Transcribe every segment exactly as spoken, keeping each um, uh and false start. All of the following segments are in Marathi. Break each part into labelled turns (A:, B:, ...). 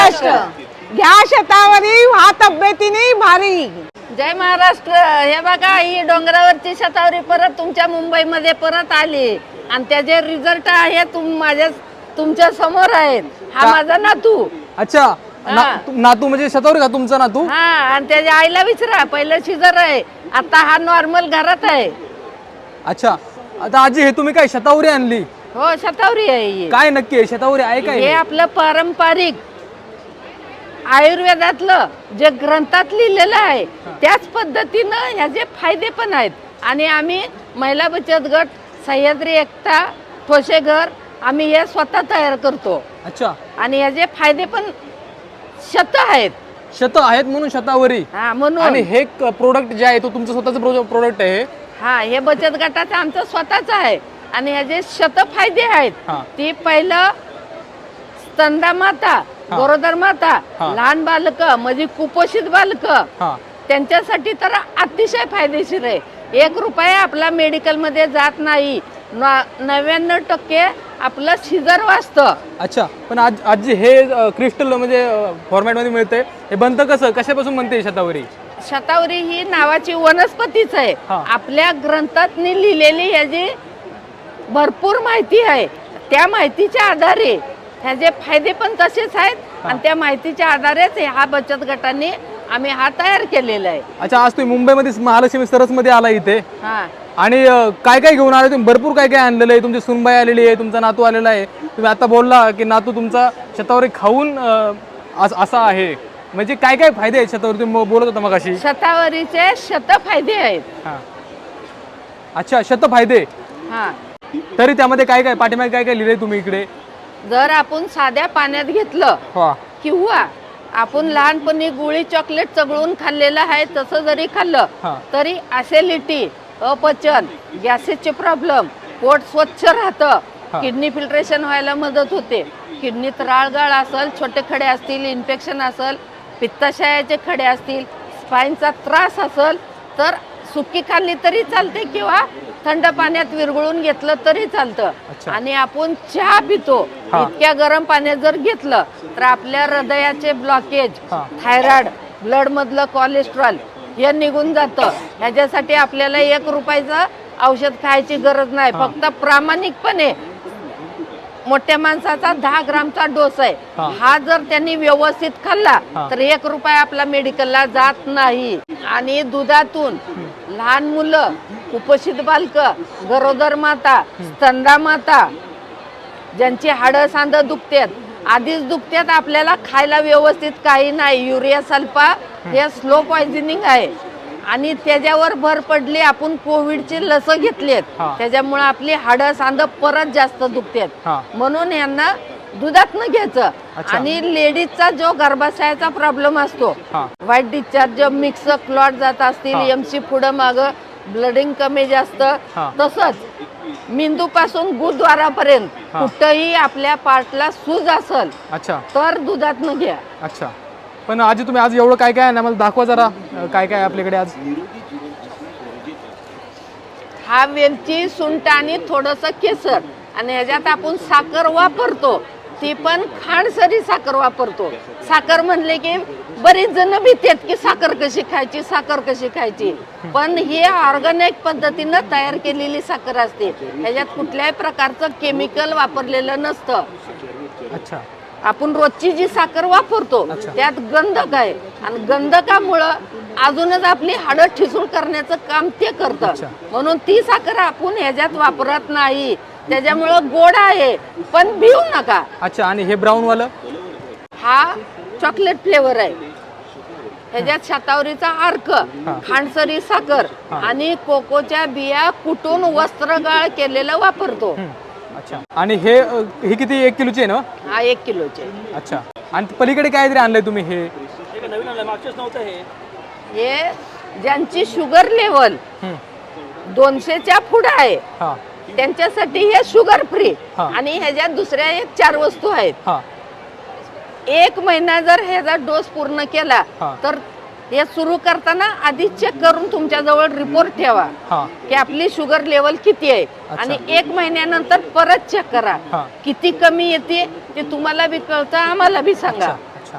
A: महाराष्ट्र, घ्या शतावरी व्हा तब्येतीने भारी.
B: जय महाराष्ट्र. हे बघा, ही डोंगरावरची शतावरी परत तुमच्या मुंबईमध्ये परत आली आणि त्याचे रिझल्ट आहे तुम माझ्या तुमच्या समोर आहेत. हा माझा नातू.
C: अच्छा, नातू म्हणजे शतावरी का तुमचा नातू?
B: हा, आणि त्याच्या आईला विचारा, पहिलं शिजर आहे, आता हा नॉर्मल घरात आहे.
C: अच्छा, आता आजी हे तुम्ही काय शतावरी आणली?
B: हो, शतावरी आहे ही.
C: काय नक्की आहे शतावरी आहे काय?
B: हे आपलं पारंपरिक आयुर्वेदातलं जे ग्रंथात लिहिलेलं आहे त्याच पद्धतीनं ह्याचे फायदे पण आहेत. आणि आम्ही महिला बचत गट, सह्याद्री एकता, ठोसेघर आम्ही हे स्वतः तयार करतो.
C: अच्छा,
B: आणि ह्याचे फायदे पण शत आहेत.
C: शत आहेत म्हणून शतावरी.
B: हा, म्हणून.
C: आणि हे प्रोडक्ट जे आहे तो तुमचं स्वतःचं प्रोडक्ट आहे?
B: हा, हे बचत गटाचं आमचं स्वतःच आहे आणि ह्याचे शत फायदे आहेत.
C: हा.
B: ती पहिलं स्तनदा माता, गरोदर माता, लहान बालक म्हणजे कुपोषित बालक त्यांच्यासाठी तर अतिशय फायदेशीर आहे. एक रुपया आपला मेडिकल मध्ये जात नाही. नव्याण्णव टक्के आपलं शिजर वाचतं.
C: अच्छा, पण आज आजी हे क्रिस्टल म्हणजे फॉर्मॅट मध्ये मिळते, हे बनतं कसं, कशापासून बनते शतावरी?
B: शतावरी ही नावाची वनस्पतीच आहे. आपल्या ग्रंथात लिहिलेली याची भरपूर माहिती आहे. त्या माहितीच्या आधारे ह्याचे फायदे पण तसेच आहेत आणि त्या माहितीच्या आधारेच हा बचत गटाने आम्ही हा तयार केलेला आहे.
C: अच्छा, आज तुम्ही मुंबईमध्ये महालक्ष्मी सरस मध्ये आला इथे.
B: हा,
C: आणि काय काय घेऊन आले तुम्ही? भरपूर काय काय आणलेलं आहे. तुमची सुनबाई आलेली आहे, तुमचा नातू आलेला आहे. तुम्ही आता बोलला की नातू तुमचा शतावरी खाऊन असा आहे, म्हणजे काय काय फायदे आहेत शतावरी? तुम्ही बोलत होता मग अशी
B: शतावरीचे शत फायदे आहेत.
C: अच्छा, शत फायदे.
B: हा,
C: तरी त्यामध्ये काय काय पाठीमागे काय काय लिहिले तुम्ही इकडे?
B: जर आपण साध्या पाण्यात घेतलं किंवा आपण लहानपणी गुळी चॉकलेट चगळून खाल्लेलं आहे तसं जरी खाल्लं तरी ऍसिडिटी, अपचन, गॅसेसचे प्रॉब्लेम, पोट स्वच्छ राहतं, किडनी फिल्ट्रेशन व्हायला मदत होते. किडनीत राळगाळ असेल, छोटे खडे असतील, इन्फेक्शन असेल, पित्ताशयाचे खडे असतील, स्पाईनचा त्रास असेल तर सुकी खाल्ली तरी चालते किंवा थंड पाण्यात विरघळून घेतलं तरी चालतं. आणि आपण चहा पितो, इतक्या गरम पाण्यात जर घेतलं तर आपल्या हृदयाचे ब्लॉकेज, थायरॉइड, ब्लड मधलं कोलेस्ट्रॉल हे निघून जातं. ह्याच्यासाठी आपल्याला एक रुपयाचं औषध खायची गरज नाही. फक्त प्रामाणिकपणे मोठ्या माणसाचा दहा ग्रामचा डोस आहे, हा जर त्यांनी व्यवस्थित खाल्ला तर एक रुपया आपला मेडिकलला जात नाही. आणि दुधातून लहान मुलं, कुपोषित बालक, गरोदर माता, स्तनदा माता ज्यांची हाडं सांध दुखतात, आधीच दुखतात, आपल्याला खायला व्यवस्थित काही नाही. युरिया सल्फा हे स्लो पॉइझनिंग आहे आणि त्याच्यावर भर पडली. आपण कोविडची लस घेतलीत, त्याच्यामुळे आपली हाडं सांध परत जास्त दुखतात. म्हणून यांना दुधातनं घ्यायचं. आणि लेडीजचा जो गर्भाशयाचा प्रॉब्लेम असतो, व्हाईट डिस्चार्ज, मिक्स क्लॉट जात असतील, एमसी पुढं माग, ब्लडिंग कमी जास्त, तसंच मेंदू पासून गुरुद्वारापर्यंत कुठंही आपल्या पार्टला सूज असेल तर दुधातनं घ्या.
C: अच्छा, पण आजी तुम्ही आज एवढं काय काय आहे ना, मला दाखवा जरा काय काय आपल्याकडे आज.
B: हा वेलची, सुंठ आणि थोडस केसर आणि ह्याच्यात आपण साखर वापरतो, ती पण खांडसरी साखर वापरतो. साखर म्हणले की बरीच जण भीतात की साखर कशी खायची, साखर कशी खायची, पण ही ऑर्गॅनिक पद्धतीनं तयार केलेली साखर असते. ह्याच्यात कुठल्याही प्रकारचं केमिकल वापरलेलं नसतं.
C: अच्छा,
B: आपण रोजची जी साखर वापरतो त्यात गंधक आहे आणि गंधकामुळं अजूनच आपली हाडं ठिसूळ करण्याचं काम ते करतं. म्हणून ती साखर आपण ह्याच्यात वापरत नाही. त्याच्यामुळं गोड आहे पण भिऊ नका.
C: अच्छा, आणि हे ब्राऊन वालं
B: हा चॉकलेट फ्लेवर आहे. ह्याच्यात शतावरीचा अर्क, खांडसरी साखर आणि कोकोच्या बिया कुटून वस्त्रगाळ केलेलं वापरतो.
C: अच्छा, आणि हे हे किती, एक किलोचे आहे ना?
B: हा, एक किलोचे.
C: अच्छा, आणि पलीकडे काय तरी आणलंय तुम्ही? हे
D: नवीन आणलंय, मागच्याच नव्हतं. हे
B: हे ज्यांची शुगर लेवल दोनशेच्या पुढे आहे त्यांच्यासाठी हे शुगर फ्री. आणि ह्याच्यात दुसऱ्या एक चार वस्तू आहेत. एक महिना जर ह्याचा डोस पूर्ण केला तर हे सुरू करताना आधी चेक करून तुमच्या जवळ रिपोर्ट ठेवा की आपली शुगर लेवल किती आहे. आणि एक महिन्यानंतर परत चेक करा किती कमी येते ते तुम्हाला बी कळतं, आम्हाला बी सांगा.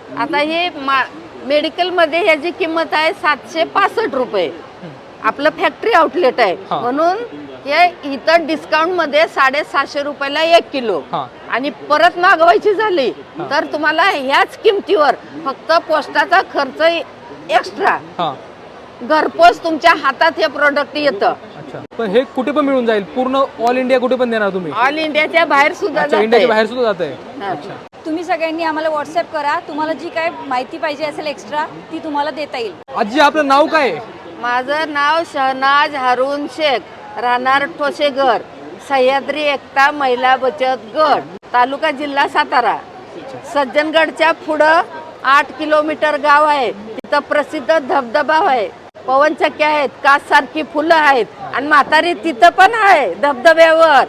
B: आता हे मेडिकल मध्ये ह्याची किंमत आहे सातशे पासष्ट रुपये. आपलं फॅक्टरी आउटलेट आहे
C: हा.
B: म्हणून हे इथं डिस्काउंट मध्ये साडेसातशे रुपयाला एक किलो.
C: हा.
B: आणि परत मागवायची झाली तर तुम्हाला ह्याच किमतीवर फक्त पोस्टाचा खर्च एक्स्ट्रा
C: हा.
B: घरपोच तुमच्या हातात हे प्रोडक्ट येतं.
C: अच्छा, पण हे कुठे पण मिळून जाईल, पूर्ण ऑल इंडिया कुठे पण देणार तुम्ही?
B: ऑल इंडियाच्या बाहेर सुद्धा
C: अच्छा,
B: जातंय.
C: इंडियाच्या बाहेर सुद्धा जात आहे.
B: हा.
C: अच्छा,
E: तुम्ही सगळ्यांनी आम्हाला व्हॉट्सअप करा, तुम्हाला जी काय माहिती पाहिजे असेल एक्स्ट्रा ती तुम्हाला देता येईल.
C: आजी आपलं नाव काय आहे?
B: माझं नाव शहनाज हारून शेख, राहणार ठोसेघर, सह्याद्री एकता महिला बचत गट, तालुका जिल्हा सातारा. सज्जनगडच्या पुढं आठ किलोमीटर गाव आहे, तिथं प्रसिद्ध धबधबा आहे, पवनचक्क्या आहेत, कास सारखी फुलं आहेत आणि म्हातारी तिथं पण आहे धबधब्यावर.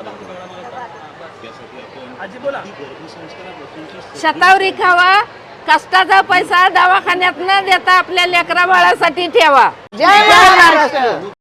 D: आजी बोला.
B: शतावरी खावा, कष्टाचा पैसा दवाखान्यात न देता आपल्या लेकरा बाळासाठी ठेवा.
A: जय महाराष्ट्र.